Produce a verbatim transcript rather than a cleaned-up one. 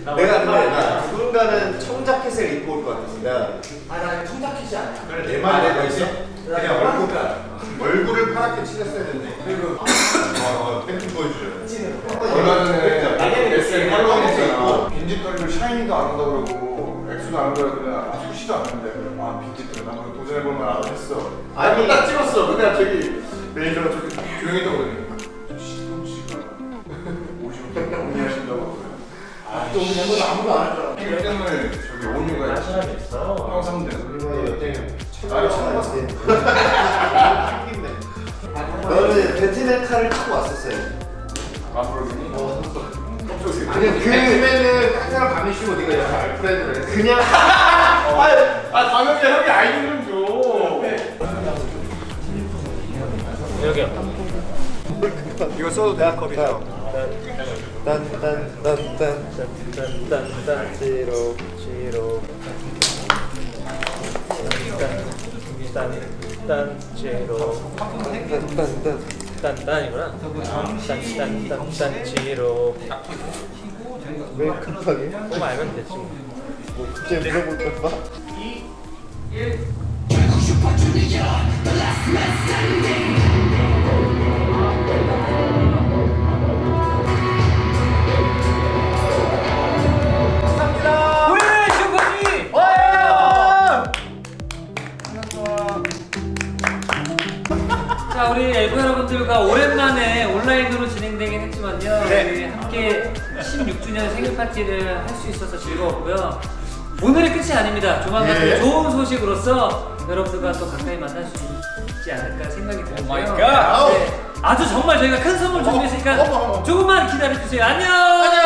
내가 근데 나 누군가는 청자켓을 입고 올 것 같습니다. 아, 나 청자켓이 아니야. 그래 내 말이 내가 있어? 그냥 얼굴 그러니까. 얼굴을 파랗게 칠했어야 되는데. 그리고 어 팬티 보여주죠. 얼마 전에 에스엔 팔로우에 있잖아. 빈집털이로 샤이니도 안 한다 그러고 엑스도 안 한다 그러고 아 수시도 안 하는데 아 빈집털 나 한번 도전해볼 만하다 했어. 아니 딱 찍었어. 근데 저기 매니저가 저기 조용히 있다고 그러니 시동 씨가 오시면 정리 하신다고. 아, 또 우리 멤버도 아무도 안 할 줄 알아. 일 등을 저기 온유가 할 사람이 있어. 형 삼 등. 나를 처음 봤어. 너는 배트맨 칼을 타고 왔었어요. 마블이 그냥 그 배트맨은 한 사람 밤에 쉬고 네가 여기 알프레드를 했어. 그냥 아 당연히 형이 아이디어 좀 줘. 여기요. 이거 써도 돼? 컵이죠? 딴딴딴딴 딴딴딴 지로 지로 딴딴 지로 딴딴딴 딴딴이구나. 딴딴딴딴 지로. 왜 급하게? 그거 알면 되지 뭐. 뭐 갑자기 물어볼 걸 봐? 자, 우리 엘프 여러분들과 오랜만에 온라인으로 진행되긴 했지만요. 네. 우리 함께 십육 주년 생일 파티를 할 수 있어서 즐거웠고요. 오늘의 끝이 아닙니다. 조만간 예. 좋은 소식으로서 여러분들과 또 가까이 만날 수 있지 않을까 생각이 들고요. 마이 갓! 네, 아주 정말 저희가 큰 선물 준비했으니까 어머, 어머, 어머. 조금만 기다려주세요. 안녕!